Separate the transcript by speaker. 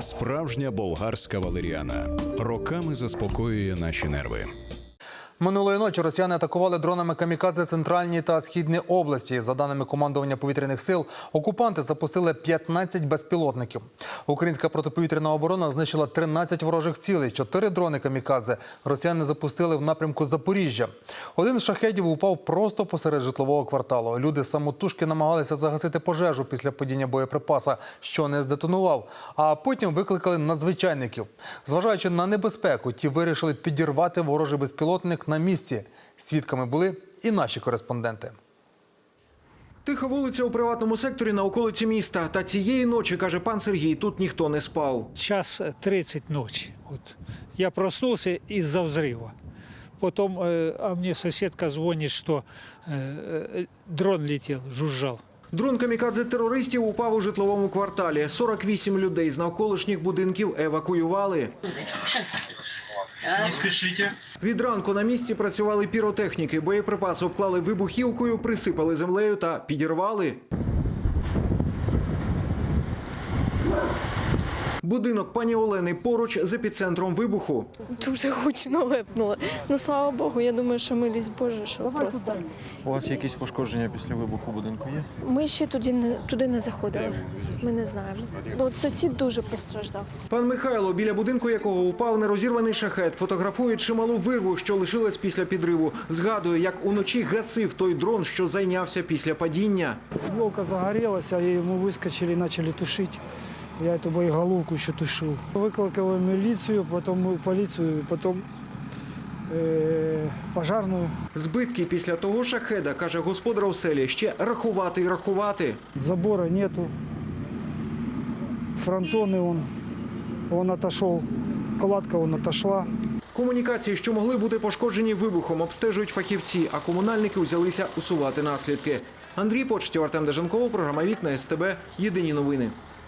Speaker 1: Справжня болгарська валеріана. Роками заспокоює наші нерви.
Speaker 2: Минулої ночі росіяни атакували дронами камікадзе центральні та східні області. За даними командування повітряних сил, окупанти запустили 15 безпілотників. Українська протиповітряна оборона знищила 13 ворожих цілей. 4 дрони камікадзе росіяни запустили в напрямку Запоріжжя. Один з шахедів упав просто посеред житлового кварталу. Люди самотужки намагалися загасити пожежу після падіння боєприпаса, що не здетонував. А потім викликали надзвичайників. Зважаючи на небезпеку, ті вирішили підірвати ворожий безпілотник на місці. Свідками були і наші кореспонденти.
Speaker 3: Тиха вулиця у приватному секторі на околиці міста. Та цієї ночі, каже пан Сергій, тут ніхто не спав.
Speaker 4: Час 30 ночи. Вот. Я проснулся из-за взрыва. Потом, а мне соседка звонит, что дрон летел, жужжал.
Speaker 3: Дрон камікадзе терористів упав у житловому кварталі. 48 людей з навколишніх будинків евакуювали.
Speaker 5: Не спішите.
Speaker 3: Від ранку на місці працювали піротехніки. Боєприпаси обклали вибухівкою, присипали землею та підірвали. Будинок пані Олени поруч з епіцентром вибуху.
Speaker 6: Дуже гучно випнуло. Ну, слава Богу, я думаю, що милість Божа, що просто.
Speaker 7: У вас якісь пошкодження після вибуху будинку є?
Speaker 6: Ми ще туди не заходили. Ми не знаємо. Ну, от сусід дуже постраждав.
Speaker 3: Пан Михайло, біля будинку якого упав нерозірваний шахед, фотографує чималу вирву, що лишилась після підриву. Згадує, як уночі гасив той дрон, що зайнявся після падіння.
Speaker 8: Елка загорелась, а мы выскочили и начали тушить. Я эту боеголовку еще тушил. Выколокал милицию, потом полицию, потом пожарную.
Speaker 3: Збитки після того шахеда, каже господар оселі, ще рахувати і рахувати.
Speaker 8: Забора нету. Фронтоны он отошел. Кладка отошла.
Speaker 3: Комунікації, що могли бути пошкоджені вибухом, обстежують фахівці, а комунальники взялися усувати наслідки. Андрій Почтів, Артем Деженков, програма «Вікна СТБ». Єдині новини.